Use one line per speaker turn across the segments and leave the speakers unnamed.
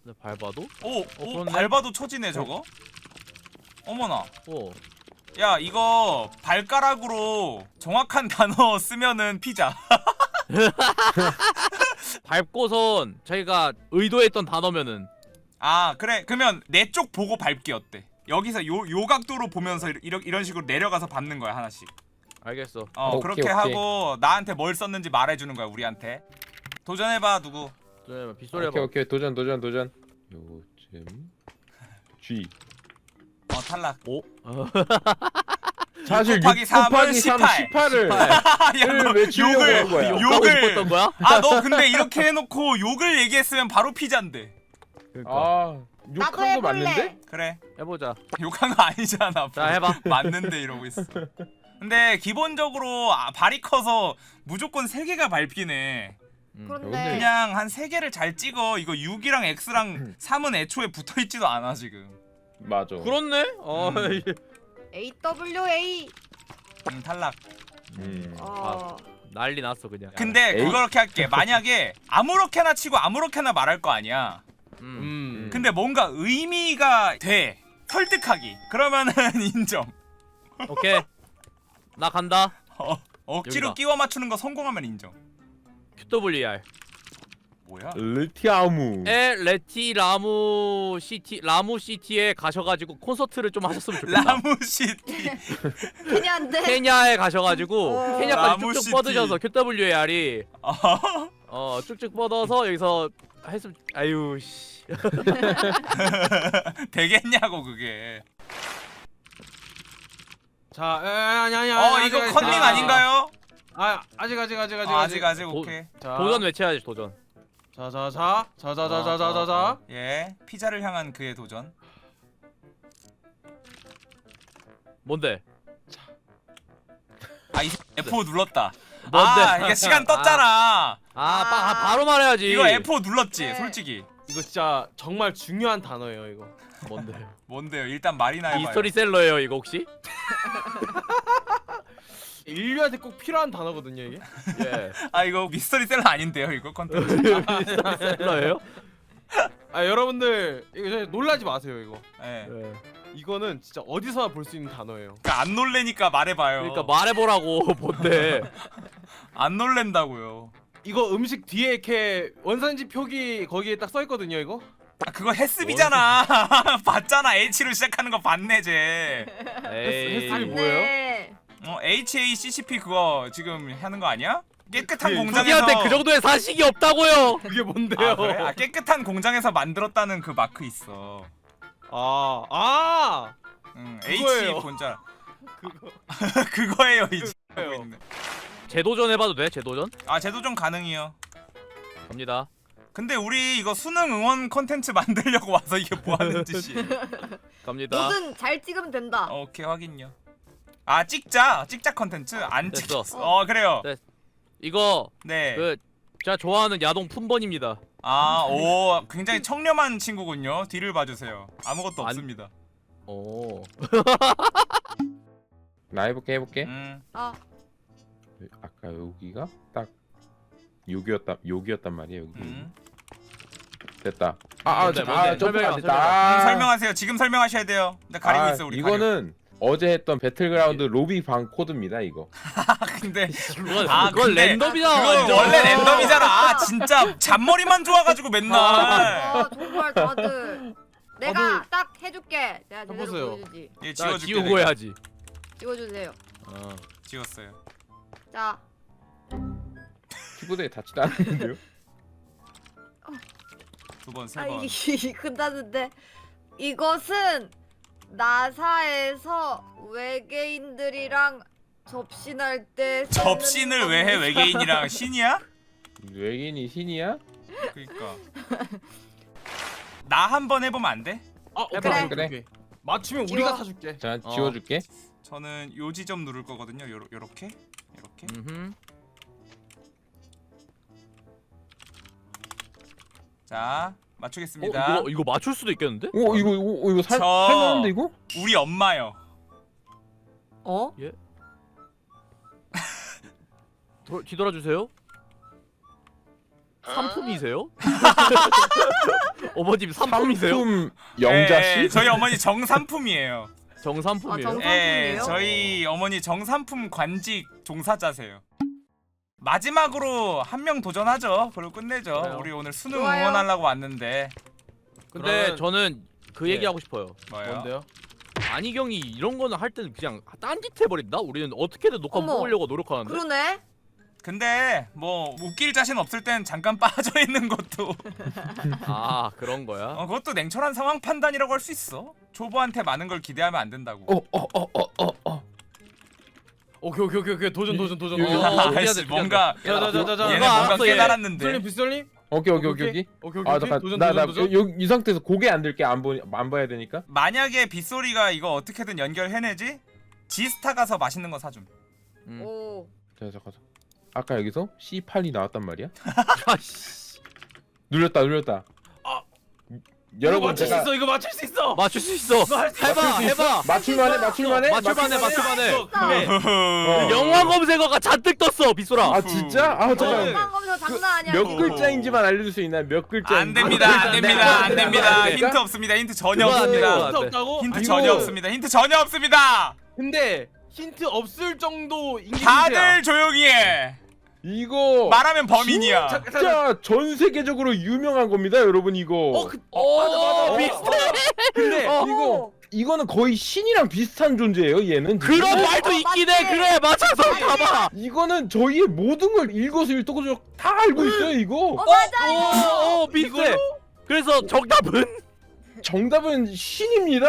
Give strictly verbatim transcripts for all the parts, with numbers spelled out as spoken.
네, 밟아도?
오,
어,
오
그렇네.
밟아도 쳐지네 저거. 어머나.
어.
야 이거 발가락으로 정확한 단어 쓰면은 피자.
밟고선 자기가 의도했던 단어면은.
아 그래 그러면 내 쪽 보고 밟기 어때? 여기서 요, 요 각도로 보면서 이런, 이런 식으로 내려가서 밟는 거야 하나씩.
알겠어.
어
오케이,
그렇게
오케이.
하고 나한테 뭘 썼는지 말해주는 거야 우리한테. 도전해봐 누구.
저 빗소리
오케이
해봐.
오케이 도전 도전 도전. 요즘 G.
어 탈락.
오? 어.
사실
곱하기
육
삼은
곱하기 삼
십팔.
십팔을
야너
외치려고
욕을
한 거야.
욕하고
욕을
싶었던 거야?
아 너 근데 이렇게 해놓고 욕을 얘기했으면 바로 피자인데.
그러니까.
아
나도
욕한 거 맞는데?
해볼래.
그래
해보자.
욕한 거 아니잖아.
자, 해봐.
맞는데 이러고 있어. 근데 기본적으로 아, 발이 커서 무조건 세 개가 밟히네.
음.
그런데
그냥 한 세 개를 잘 찍어. 이거 육이랑 X랑 삼은 애초에 붙어있지도 않아 지금.
맞아.
그렇네? 어.
음.
에이 더블유 에이.
음, 탈락.
음.
어.
난리 났어 그냥.
근데
에이.
그렇게 할게. 만약에 아무렇게나 치고 아무렇게나 말할 거 아니야.
음.
음.
근데 뭔가 의미가 돼. 설득하기. 그러면은 인정.
오케이. 나 간다.
어, 억지로
여기다.
끼워 맞추는 거 성공하면 인정.
큐더블유알.
뭐야?
르티아무.
에 레티 라무 시티 라무 시티에 가셔가지고 콘서트를 좀 하셨으면 좋겠다.
라무시티.
케냐인데.
케냐에 가셔가지고
어.
케냐까지
라무
쭉쭉
시티.
뻗으셔서 큐더블유알이
어?
어 쭉쭉 뻗어서 여기서 했으면 아유 씨.
되겠냐고 그게.
자, 에, 아니 아니 아니.
어
아직,
이거
아직,
컨닝
아직.
아닌가요?
아, 아직 아직 아직 아직
아, 아직 아직
도-
오케이.
자,
도전 외쳐야지 도전.
자, 자, 자, 자, 자, 자, 자, 자, 자, 자.
예, 피자를 향한 그의 도전.
뭔데?
아이 에프 오 눌렀다.
뭔데?
아 이게 시간 떴잖아.
아, 빠, 아 바로 말해야지.
이거 에프 오 눌렀지
네.
솔직히.
이거 진짜 정말 중요한 단어예요, 이거.
뭔데?
뭔데요? 일단 말이나 해봐요.
미스터리셀러예요 이거 혹시?
인류한테 꼭 필요한 단어거든요, 이게.
예.
아 이거 미스터리셀러 아닌데요 이거 컨텐츠.
미스터리셀러예요?
아, 여러분들 이거 진짜 놀라지 마세요, 이거.
예.
예.
이거는 진짜 어디서나 볼 수 있는 단어예요.
그러니까 안 놀래니까 말해봐요.
그러니까 말해보라고 뭔데?
안 놀랜다고요.
이거 음식 뒤에 이렇게 원산지 표기 거기에 딱 써 있거든요, 이거.
아 그거 헬스비잖아. 봤잖아. H로 시작하는 거 봤네 쟤.
에이.
헬스- 뭐예요?
네.
어 에이치 에이 씨 씨 피 그거 지금 하는 거 아니야? 깨끗한
그게
공장에서.
자기한테 그 정도의 사식이 없다고요.
그게 뭔데요?
아, 그래? 아 깨끗한 공장에서 만들었다는 그 마크 있어.
아, 아,
응,
그거예요.
H 본자.
그거.
그거예요 이제. 하고
그거예요.
있네.
재도전 해봐도 돼? 재도전?
아 쟤도 좀 가능해요.
갑니다.
근데 우리 이거 수능 응원 컨텐츠 만들려고 와서 이게 뭐 하는 짓이에요?
갑니다.
뭐든 잘 찍으면 된다.
어, 오케이 확인요. 아 찍자 찍자 컨텐츠 안
됐어.
찍혔어. 어 그래요.
네. 이거
네.
그 제가 좋아하는 야동 품번입니다.
아 오 굉장히 청렴한 친구군요. 뒤를 봐주세요. 아무것도
안-
없습니다.
오.
나 해볼게 해볼게.
음.
아,
아까 여기가 딱 욕이었다 욕이었단 말이야 여기.
음.
됐다. 아아
뭔데,
아,
뭔데?
점프가
설명해봐,
안 됐다.
설명해봐.
음,
아.
설명하세요. 지금 설명하셔야 돼요. 근데 가리고
아,
있어 우리.
이거는 어제 했던 배틀그라운드 로비 방 코드입니다 이거.
가리고. 근데
그건,
아,
그건
근데
랜덤이잖아.
그거
완전.
원래 랜덤이잖아. 아 진짜 잔머리만 좋아가지고 맨날.
아 정말 다들. 내가
다들-
딱 해줄게. 내가 제대로
해보세요.
보여주지.
예
자,
지워줄게.
지우고
내가.
해야지.
찍어주세요.
어.
지웠어요.
자,
키보드에 닿지도 않는데요.
두 번, 세
아
번.
이게 끝났는데 이것은 나사에서 외계인들이랑 접신할 때 쓰는
접신을 왜 해?
겁니다.
외계인이랑 신이야?
외계인이 신이야?
그러니까. 나 한 번 해보면 안 돼?
아, 오케이,
그래.
오케이,
그래.
오케이. 맞추면
지워.
우리가 사줄게.
자
어.
지워줄게.
저는 요 지점 누를 거거든요. 요러, 요렇게, 요렇게.
음흠.
자,
어,
맞추겠습니다.
이거 이거 맞출 수도 있겠는데?
오 이거 이거 이거 살
저-
살만한데 이거?
우리 엄마요.
어?
도, 뒤돌아 주세요. 상품이세요? 어머님 상품이세요?
상품 영자씨?
예, 저희 어머니 정삼품이에요.
정상품이에요?
아, 정-
예,
정삼품이에요?
저희 어머니 정삼품 관직 종사자세요. 마지막으로 한 명 도전하죠. 그리고 끝내죠.
그래요.
우리 오늘 수능
좋아요.
응원하려고 왔는데.
근데
그러면-
저는 그
예.
얘기 하고 싶어요.
뭐예요?
뭔데요?
안희경이 이런 거는 할 때는 그냥 딴짓 해버린다? 우리는 어떻게든 녹화
어머.
뽑으려고 노력하는데.
그러네.
근데 뭐 웃길 자신 없을 땐 잠깐 빠져 있는 것도
아 그런 거야?
어, 그것도 냉철한 상황 판단이라고 할 수 있어. 초보한테 많은 걸 기대하면 안 된다고.
어 어 어 어 어 어.
오케이 오케이 오케이 오케이 도전 도전 도전
이-
도전.
어,
아,
미안해,
아이씨,
미안해.
뭔가
자자자자자.
얘네
이거
뭔가
알았어, 얘.
깨달았는데.
비설님 비설님.
오케이 오케이 오케이 오케이.
오케이 오케이.
아
오케이. 도전
나나
도전
나
도전.
이 상태에서 고개 안 들게 안 보 안 봐야 되니까.
만약에 빗소리가 이거 어떻게든 연결해내지? 지스타 가서 맛있는 거 사줌.
음.
오.
자 잠깐. 아까 여기서 씨 팔이 나왔단 말이야?
아씨.
눌렸다 눌렸다.
아. 이거
여러분
맞출 수
제가
있어. 이거 맞출 수 있어.
맞출 수 있어.
이거 할수 있어.
해봐,
맞출 수 있어?
해봐.
맞출만해 맞출만해
맞출만해, 맞출만해.
어, 그래.
어.
영화 검색어가 잔뜩 떴어, 빗소라.
아 진짜? 아
어.
잠깐.
건강 검사 장난 아니야.
몇
지금.
글자인지만 알려줄 수 있나요? 몇 글자?
안 됩니다, 안 됩니다, 안 됩니다.
안
힌트 없습니다. 힌트 전혀
그거 안 돼, 그거
없습니다.
안
힌트 없다고?
힌트
아이고.
전혀 없습니다. 힌트 전혀 없습니다.
근데 힌트 없을 정도 인기
다들 조용히 해.
이거
말하면 범인이야.
자-
진짜 전 세계적으로 유명한 겁니다, 여러분 이거.
어, 그,
오,
어, 맞아 맞아.
비슷해.
근데
어.
이거 이거는 거의 신이랑 비슷한 존재예요, 얘는. 지금.
그런 말도 있긴 해.
맞지?
그래, 맞아서 봐봐.
이거는 저희의 모든 걸 일거수일투족을 다 알고 있어요, 이거.
어 맞아.
오, 오, 비슷해. 그래서 정답은
정답은 신입니다.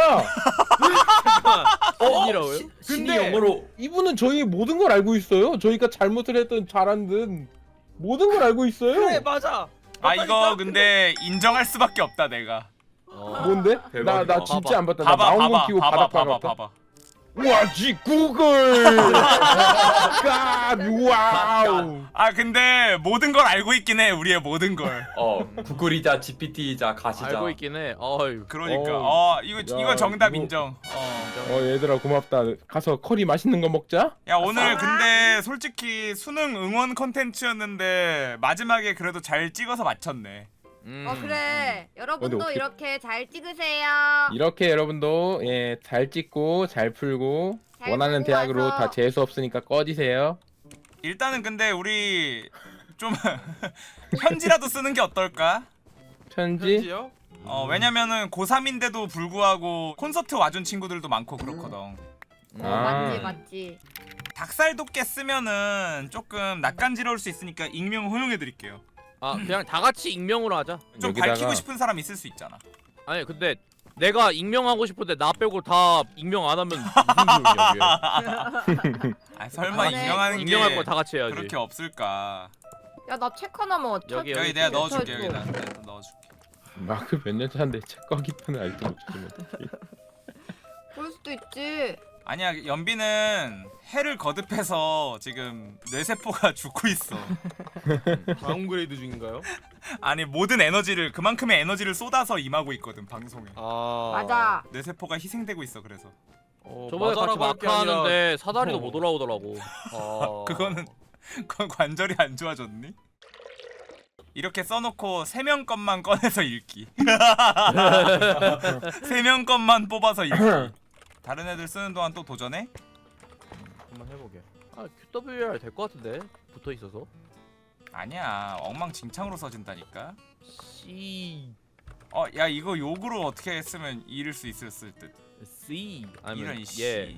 아니라고요?
근데
영어로 이분은 저희의 모든 걸 알고 있어요. 저희가 잘못을 했든 잘한 든 모든 걸 알고 있어요.
그래 맞아.
아 이거 근데 인정할 수밖에 없다 내가.
어.
뭔데? 나 나
대박이다.
진짜 안 봤다. 나
봐봐,
망원경
봐봐,
끼고
봐봐,
바닥
봐봐,
박았다.
봐봐.
우와, 지 구글. 갓, 와우.
아 근데 모든 걸 알고 있긴 해. 우리의 모든 걸.
어 구글이자 지피티이자 가시자.
알고 있긴 해. 어휴.
그러니까
어.
어 이거
야,
이거 정답
이거-
인정. 어.
어, 얘들아 고맙다. 가서 커리 맛있는 거 먹자.
야 오늘 근데 솔직히 수능 응원 컨텐츠였는데 마지막에 그래도 잘 찍어서 맞췄네.
음.
어 그래. 여러분도
어떻게-
이렇게 잘 찍으세요.
이렇게 여러분도 예, 잘 찍고 잘 풀고
잘
원하는
풀고
대학으로
와서.
다 재수 없으니까 꺼지세요.
일단은 근데 우리 좀 편지라도 쓰는 게 어떨까?
편지.
편지요?
어 왜냐면은 고삼인데도 불구하고 콘서트 와준 친구들도 많고 그렇거든.
음.
어,
아.
맞지 맞지.
닭살 돋게 쓰면은 조금 낯간지러울 수 있으니까 익명 허용해 드릴게요.
아, 그냥 다 같이 익명으로 하자.
좀
여기다가-
밝히고 싶은 사람 있을 수 있잖아.
아니, 근데 내가 익명하고 싶은데 나 빼고 다 익명 안 하면 무슨 소용이야,
아 설마
아, 네.
익명하는
이게.
게
익명할 거 다 같이 해야지.
그렇게 없을까?
야 나 책 하나만 어
여기,
여기 내가 넣어줄게
쳐,
여기다 내가 넣어줄게.
마크 몇 년 차인데 책 꺼기 폰을 알도 못 주면.
그럴 수도 있지.
아니야 연비는 해를 거듭해서 지금 뇌세포가 죽고 있어.
다운그레이드 중인가요?
아니 모든 에너지를 그만큼의 에너지를 쏟아서 임하고 있거든 방송에.
아
맞아.
뇌세포가 희생되고 있어 그래서.
어,
저번에 같이
맞아라고 할게
마크
아니라-
하는데 사다리도
어.
못 올라오더라고.
아...
그거는 그건 관절이 안 좋아졌니? 이렇게 써놓고 세 명 것만 꺼내서 읽기. 세 명 것만 뽑아서 읽기. 다른 애들 쓰는 동안 또 도전해?
한번 해보게. 아, 큐더블유알 될 것 같은데 붙어 있어서.
아니야 엉망진창으로 써진다니까.
C
어 야 이거 욕으로 어떻게 했으면 잃을 수 있었을 듯.
C 아니면
이런 씨.
예.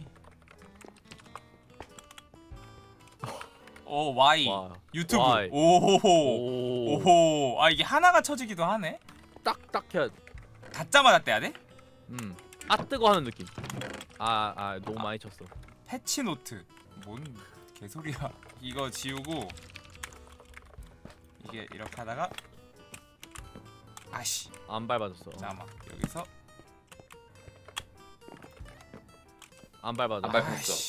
오 Y
와.
유튜브
Y.
오호호
오.
오호 아 이게 하나가 쳐지기도 하네.
딱딱 해야.
닫자마자 떼야 돼?
음. 아 뜨거 하는 느낌. 아, 아 너무 많이 쳤어.
패치노트 뭔 개소리야. 이거 지우고 이게 이렇게 하다가 아씨
안 밟아졌어.
잠깐만 여기서
안 밟아졌어.
안 밟았어.
아씨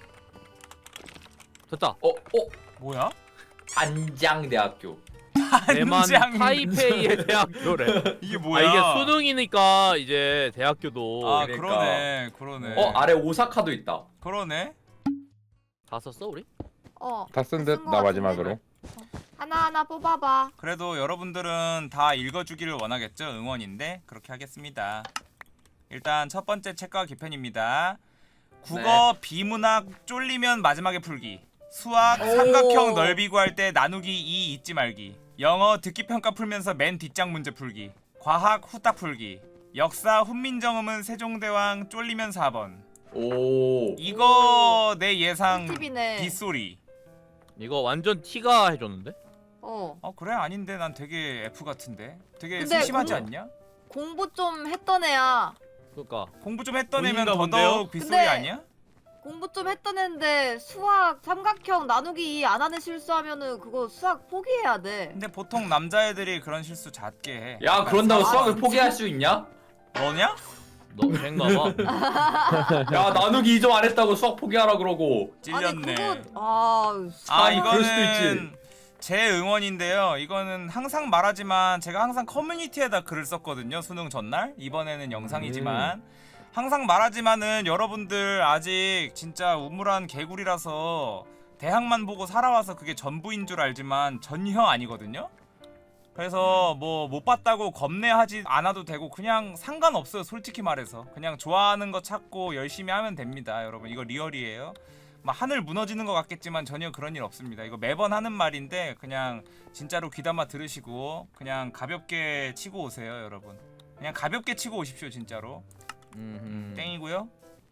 됐다.
어, 어,
뭐야?
단장대학교.
대만
한장-
타이페이의 대학교래.
이게
아
뭐야?
이게 수능이니까 이제 대학교도
아
그러니까.
그러네 그러네
어, 아래 오사카도 있다.
그러네.
다 썼어 우리?
어.
다 쓴 듯
쓴거
나
같은데?
마지막으로.
하나하나 뽑아봐.
그래도 여러분들은 다 읽어주기를 원하겠죠? 응원인데 그렇게 하겠습니다. 일단 첫 번째 책과 기편입니다. 국어 비문학 쫄리면 마지막에 풀기. 수학
오.
삼각형 넓이 구할 때 나누기 이 잊지 말기. 영어 듣기 평가 풀면서 맨 뒷장 문제 풀기. 과학 후딱 풀기. 역사 훈민정음은 세종대왕 쫄리면 사 번.
오.
이거 내 예상
꿀팁이네.
빗소리.
이거 완전 T가 해줬는데?
어.
어 그래? 아닌데 난 되게 F 같은데. 되게
근데
심심하지
공부-
않냐?
공부 좀 했던 애야.
그니까
공부 좀 했던 애면
본인가
더더욱 빗소리
근데-
아니야?
공부 좀 했던 애인데 수학 삼각형 나누기 이 안 하는 실수하면은 그거 수학 포기해야 돼.
근데 보통 남자애들이 그런 실수 잦게 해.
야 그런다고
아,
수학을
진짜?
포기할 수 있냐?
너냐?
너 쟤인가봐.
야 나누기 이 점 안 했다고 수학 포기하라 그러고.
찔렸네.
아니 그거 아,
아
참, 그럴 수도
이거는 제 응원인데요. 이거는 항상 말하지만 제가 항상 커뮤니티에다 글을 썼거든요. 수능 전날. 이번에는 영상이지만
음.
항상 말하지만은 여러분들 아직 진짜 우물한 개구리라서 대학만 보고 살아와서 그게 전부인 줄 알지만 전혀 아니거든요. 그래서 뭐 못 봤다고 겁내하지 않아도 되고 그냥 상관없어요. 솔직히 말해서 그냥 좋아하는 거 찾고 열심히 하면 됩니다. 여러분 이거 리얼이에요. 막 하늘 무너지는 것 같겠지만 전혀 그런 일 없습니다. 이거 매번 하는 말인데 그냥 진짜로 귀담아 들으시고 그냥 가볍게 치고 오세요. 여러분 그냥 가볍게 치고 오십시오. 진짜로.
음흠.
땡이고요.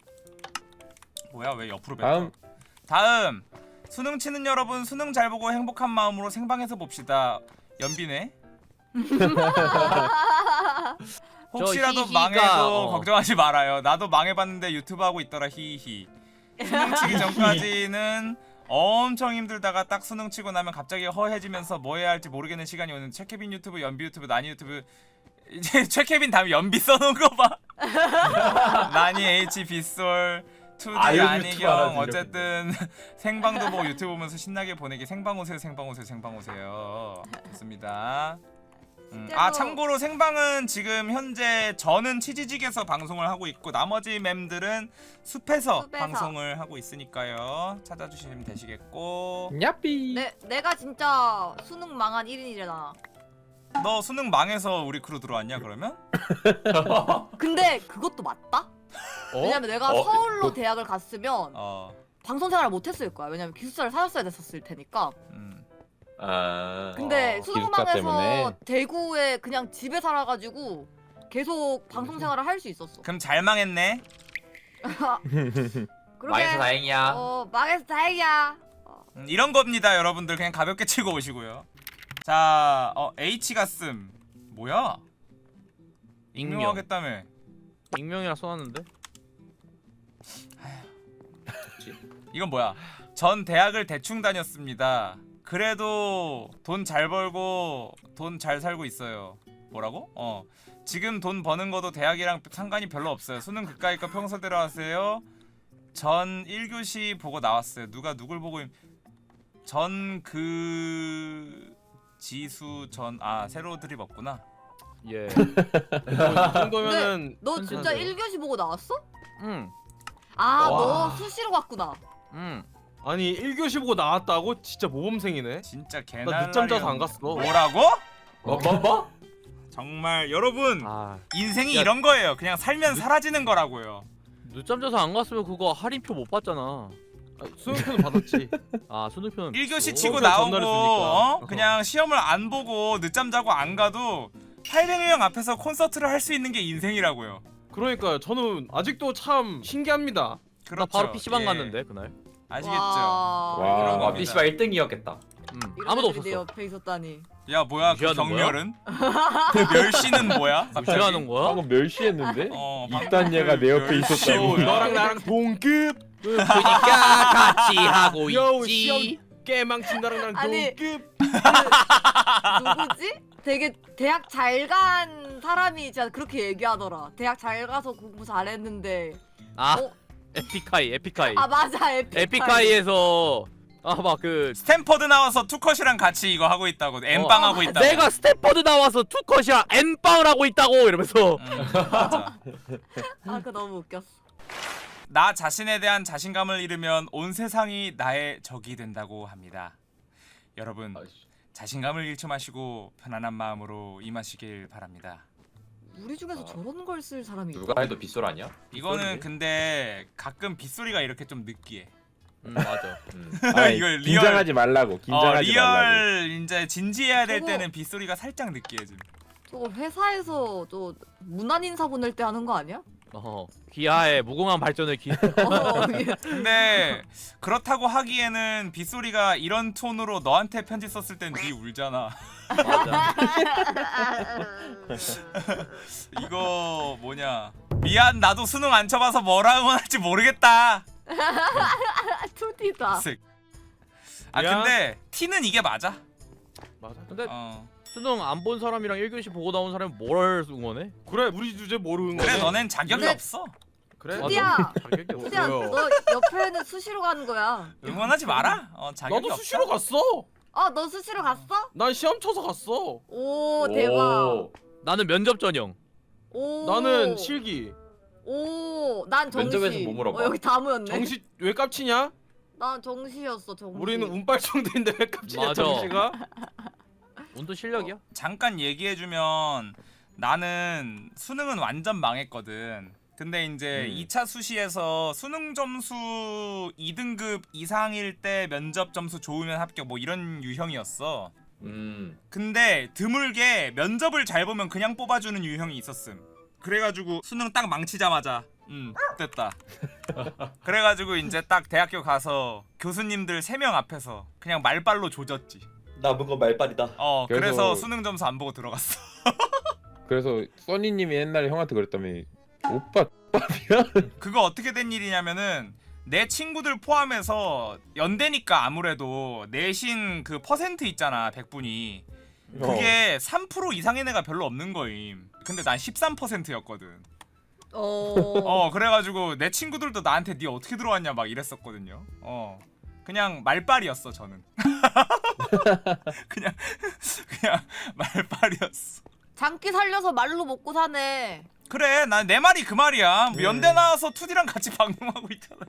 뭐야 왜 옆으로 뱉어?
다음.
다음 수능 치는 여러분 수능 잘 보고 행복한 마음으로 생방에서 봅시다. 연비네. 혹시라도
히히가,
망해도
어.
걱정하지 말아요. 나도 망해봤는데 유튜브 하고 있더라. 히히. 수능 치기 전까지는 엄청 힘들다가 딱 수능 치고 나면 갑자기 허해지면서 뭐 해야 할지 모르겠는 시간이 오는 최케빈 유튜브, 연비 유튜브, 나니 유튜브. 이제 최케빈 다음에 연비 써놓은 거 봐. 나니 H 빗솔 투디
아, 이거 유튜브
안희경
알아지,
어쨌든 생방도 보고 유튜브 보면서 신나게 보내기. 생방 오세요 생방 오세요 생방 오세요. 좋습니다. 음, 아 참고로 생방은 지금 현재 저는 치지직에서 방송을 하고 있고 나머지 맴들은 숲에서,
숲에서.
방송을 하고 있으니까요. 찾아주시면 되시겠고.
야삐.
내 내가 진짜 수능 망한 일 인이잖아.
너 수능 망해서 우리 크루 들어왔냐 그러면?
근데 그것도 맞다?
어?
왜냐면 내가
어?
서울로 대학을 갔으면
어.
방송 생활을 못 했을 거야. 왜냐면 기숙사를 사줬어야 됐었을 테니까.
음.
아.
근데
어,
수능
기숙사
망해서
때문에.
대구에 그냥 집에 살아가지고 계속 방송 생활을 할 수 있었어.
그럼 잘 망했네.
그러게.
망해서 다행이야.
어 망해서 다행이야. 어.
음, 이런 겁니다, 여러분들. 그냥 가볍게 치고 오시고요. 자, 어 H가 씀 뭐야?
익명.
익명하겠다며.
익명이라 써놨는데?
이건 뭐야? 전 대학을 대충 다녔습니다. 그래도 돈 잘 벌고 돈 잘 살고 있어요. 뭐라고? 어. 지금 돈 버는 거도 대학이랑 상관이 별로 없어요. 수능 그까이 거 평소대로 하세요. 전 일 교시 보고 나왔어요. 누가 누굴 보고 전 그 지수 전 아 새로 드립 없구나.
예.
뭐이 정도면은
너
현진한테요.
진짜 일 교시 보고 나왔어?
응.
아
와.
너 수시로 갔구나.
응.
아니 일 교시 보고 나왔다고? 진짜 모범생이네.
진짜
나
개날.
늦잠 자서 안 갔어.
뭐라고?
뭐 뭐 뭐?
정말 여러분
아
인생이
야.
이런 거예요. 그냥 살면 사라지는 거라고요.
늦잠 자서 안 갔으면 그거 할인표 못 받잖아.
아, 수능표는 받았지.
아 수능표는
일 교시
줬어?
치고
수업을
나오고
전날했으니까.
어? 그냥 시험을 안 보고 늦잠 자고 안 가도 팔백여 명 앞에서 콘서트를 할 수 있는 게 인생이라고요.
그러니까요. 저는 아직도 참 신기합니다.
그렇죠.
나 바로 피시방
예.
갔는데 그날.
아시겠죠?
와,
와.
그런
와
겁니다.
피시방 일 등이었겠다.
응.
이런
아무도
애들이 내
없었어.
옆에 있었다니.
야 뭐야 그
무시하는 거야?
경멸은? 그 멸시는 뭐야? 갑자기?
무시하는 거야?
방금 멸시했는데?
어,
이딴 얘가 내 옆에
멸시
있었다고.
뭐야?
너랑 나랑 동급.
그러니까 같이 하고
여우
있지.
시험 깨망친 나랑 나랑
아니.
동급.
누구지? 되게 대학 잘 간 사람이 진짜 그렇게 얘기하더라. 대학 잘 가서 공부 잘했는데.
아
어?
에픽하이 에픽하이.
아 맞아 에픽하이.
에픽하이에서 아 막 그
스탠퍼드 나와서 투컷이랑 같이 이거 하고 있다고 엠빵 하고 있다고.
내가 스탠퍼드 나와서 투컷이랑 N빵을 하고 있다고 이러면서
음, 맞아.
아 그거 너무 웃겼어.
나 자신에 대한 자신감을 잃으면 온 세상이 나의 적이 된다고 합니다. 여러분
아이씨.
자신감을 잃지 마시고 편안한 마음으로 임하시길 바랍니다.
우리 중에서
아.
저런 걸 쓸 사람이 있어?
누가 해도 빗소리 아니야?
이거는
빗소리네?
근데 가끔 빗소리가 이렇게 좀 느끼해.
음, 맞아.
음.
아이,
이걸 리얼-
긴장하지 말라고.
어,
긴장하지 말라고.
리얼 이제 진지해야 될
저거-
때는 빗소리가 살짝 느끼해짐.
저거 회사에서 또 문안 인사 보낼 때 하는 거 아니야?
어, 귀하의 무궁한 발전을 기.
어, 예.
근데 그렇다고 하기에는 빗소리가 이런 톤으로 너한테 편지 썼을 땐 네 울잖아.
맞아.
이거 뭐냐? 미안 나도 수능 안 쳐봐서 뭐라 응원할지 모르겠다.
투디다.
쓱. 아
미안.
근데 T는 이게 맞아.
맞아.
근데
어.
수능 안 본 사람이랑 일 교시 보고 나온 사람이 뭘 응원해?
그래 우리 주제 모르는
그래
거네.
너넨 자격이
근데-
없어.
그래.
투디야.
자격이 없어.
투디야,
뭐야?
너 옆에는 수시로 가는 거야.
응원하지 마라. 어 자격이
나도
없다.
수시로 갔어.
어, 너 수시로 갔어?
난 시험 쳐서 갔어.
오, 대박.
오.
나는 면접 전형.
오.
나는 실기.
오, 난 정시.
면접에서 뭐 물어봐?
어, 여기 다 모였네.
정시 왜 깝치냐?
난 정시였어, 정시.
우리는 운빨 정도인데 왜 깝치냐
맞아.
정시가?
운도 실력이야.
잠깐 얘기해주면 나는 수능은 완전 망했거든. 근데 이제
음.
이 차 수시에서 수능 점수 이 등급 이상일 때 면접 점수 좋으면 합격 뭐 이런 유형이었어.
음.
근데 드물게 면접을 잘 보면 그냥 뽑아주는 유형이 있었음. 그래가지고 수능 딱 망치자마자 음 됐다. 그래가지고 이제 딱 대학교 가서 교수님들 세 명 앞에서 그냥 말빨로 조졌지.
남은 건 말빨이다.
어 그래서,
그래서-
수능 점수 안 보고 들어갔어.
그래서 써니님이 옛날에 형한테 그랬다며. 오빠 X밥이야?
그거 어떻게 된 일이냐면은 내 친구들 포함해서 연대니까 아무래도 내신 그 퍼센트 있잖아 백 분이 그게 삼 퍼센트 이상인 애가 별로 없는 거임. 근데 난 십삼 퍼센트였거든.
어.
어 그래가지고 내 친구들도 나한테 니 어떻게 들어왔냐 막 이랬었거든요. 어 그냥 말빨이었어 저는. 그냥 그냥 말빨이었어.
장기 살려서 말로 먹고 사네.
그래 난 내 말이 그 말이야.
네.
연대 나와서 투디랑 같이 방송하고 있잖아.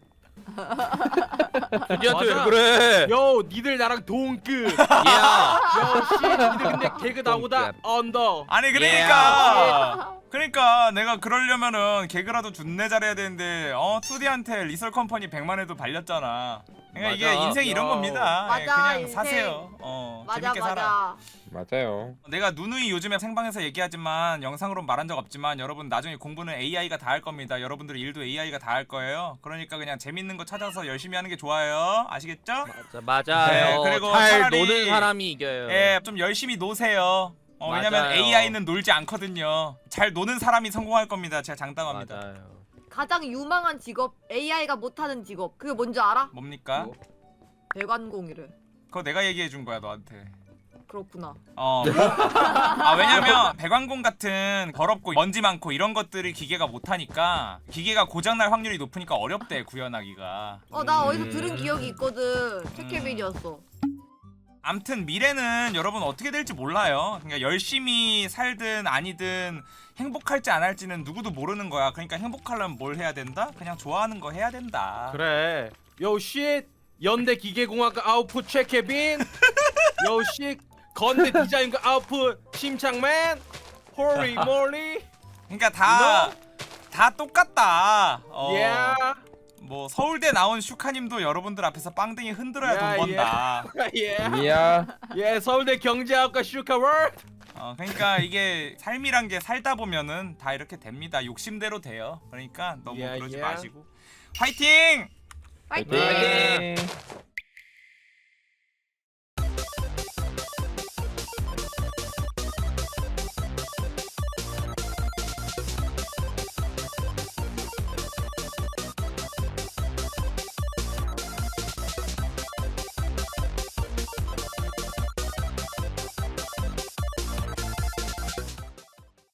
투디한테 왜
맞아.
그래?
요 니들 나랑 동급.
야.
요씨 니들 근데 개그 나보다 언더.
아니 그러니까 그러니까 내가 그러려면은 개그라도 준내 잘해야 되는데 어 투디한테 리설 컴퍼니 백만 회도 발렸잖아. 그러니까 이게
맞아.
인생이 이런
야.
겁니다. 예,
맞아,
그냥
인생.
사세요. 어
맞아,
재밌게 살아.
맞아.
맞아요.
내가 누누이 요즘에 생방에서 얘기하지만 영상으로 말한 적 없지만 여러분 나중에 공부는 에이아이가 다 할 겁니다. 여러분들 일도 에이아이가 다 할 거예요. 그러니까 그냥 재밌는 거 찾아서 열심히 하는 게 좋아요. 아시겠죠?
맞아, 맞아요.
네, 그리고
잘
차라리-
노는 사람이 이겨요.
예, 좀 열심히 노세요. 어, 왜냐면
맞아요.
에이아이는 놀지 않거든요. 잘 노는 사람이 성공할 겁니다. 제가 장담합니다.
맞아요.
가장 유망한 직업, 에이아이가 못하는 직업. 그게 뭔지 알아?
뭡니까?
뭐?
배관공이래.
그거 내가 얘기해 준 거야 너한테.
그렇구나.
어. 아 왜냐면 배관공 같은 더럽고 먼지 많고 이런 것들을 기계가 못하니까 기계가 고장날 확률이 높으니까 어렵대 구현하기가.
어, 나 어디서
음.
들은 기억이 있거든. 체케빌이었어.
암튼 미래는 여러분 어떻게 될지 몰라요. 그러니까 열심히 살든 아니든 행복할지 안 할지는 누구도 모르는 거야. 그러니까 행복하려면 뭘 해야 된다? 그냥 좋아하는 거 해야 된다.
그래. 요씨 연대 기계공학과 아웃풋 최케빈. 요씨 건대 디자인과 아웃풋 심창맨. 호리 몰리.
그러니까 다 다 똑같다. 어.
예.
뭐 서울대 나온 슈카님도 여러분들 앞에서 빵댕이 흔들어야
야,
돈 번다.
예.
미야.
예, 서울대 경제학과 슈카월.
어, 그러니까 이게 삶이란 게 살다 보면은 다 이렇게 됩니다. 욕심대로 돼요. 그러니까 너무
예,
그러지
예.
마시고 화이팅!
파이팅!
파이팅.